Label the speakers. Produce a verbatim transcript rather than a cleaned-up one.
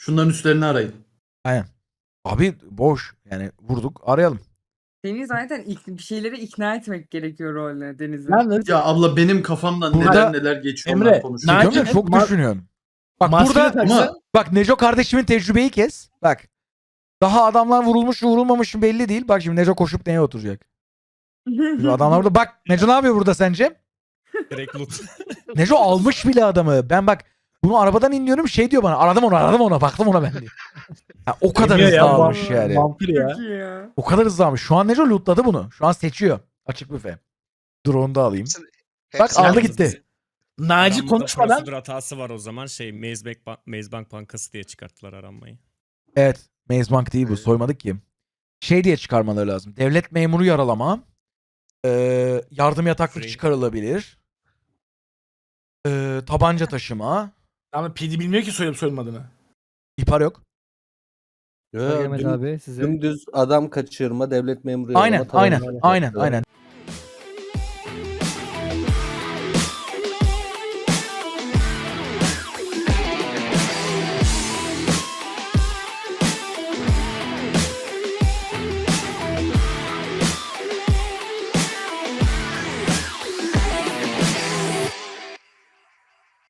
Speaker 1: Şunların üstlerini arayın.
Speaker 2: Aynen. Abi boş. Yani vurduk arayalım.
Speaker 3: Seni zaten ilk, bir şeyleri ikna etmek gerekiyor rolüne Deniz'in.
Speaker 4: Yalnız
Speaker 1: Ya abla benim kafamdan
Speaker 2: Burada-
Speaker 1: neler neler geçiyor
Speaker 4: Emre,
Speaker 1: onlar konuşuyor.
Speaker 4: Naci-
Speaker 2: Diyorum ya, çok
Speaker 4: Ma-
Speaker 2: düşünüyorsun. Bak
Speaker 4: maskeni
Speaker 2: burada
Speaker 4: taksa-
Speaker 1: Ama
Speaker 2: bak Neco kardeşimin tecrübeyi kes. Bak. Daha adamlar vurulmuş mu vurulmamış mı belli değil. Bak şimdi Neco koşup neye oturacak? Şimdi adamlar burada. Bak Neco ne yapıyor burada sence?
Speaker 5: Direkt loot.
Speaker 2: Neco almış bile adamı. Ben bak bunu arabadan iniyorum şey diyor bana. Aradım onu aradım ona baktım ona ben diyor. Ha, o kadar
Speaker 4: Demiyor
Speaker 2: hızlı
Speaker 4: ya,
Speaker 2: almış
Speaker 3: bu-
Speaker 2: yani.
Speaker 4: Vampir ya.
Speaker 3: Çok iyi ya.
Speaker 2: O kadar hızlı almış. Şu an Neco lootladı bunu. Şu an seçiyor. Açık büfe. Dur onu da alayım. Bak
Speaker 5: Hepsi
Speaker 2: aldı
Speaker 5: yalnız
Speaker 2: gitti.
Speaker 5: bizi-
Speaker 4: Naci
Speaker 5: Aranmada
Speaker 4: konuşmadan
Speaker 5: prosedür hatası var o zaman. Şey Maze Bank, Ban- Maze Bank Bankası diye çıkarttılar aranmayı.
Speaker 2: Evet. Maze Bank değil bu. Soymadık ki. Şey diye çıkarmaları lazım. Devlet memuru yaralama. Ee, yardım yataklık
Speaker 5: Free.
Speaker 2: çıkarılabilir. Ee, tabanca taşıma.
Speaker 4: ama P D bilmiyor ki soyup soyulmadığını.
Speaker 2: İhbar yok.
Speaker 6: Yo,
Speaker 7: Mehmet
Speaker 6: düm-
Speaker 7: abi size.
Speaker 6: dümdüz adam kaçırma, devlet memuru
Speaker 2: Aynen
Speaker 6: yaralama,
Speaker 2: aynen
Speaker 6: tabanca-
Speaker 2: aynen aynen.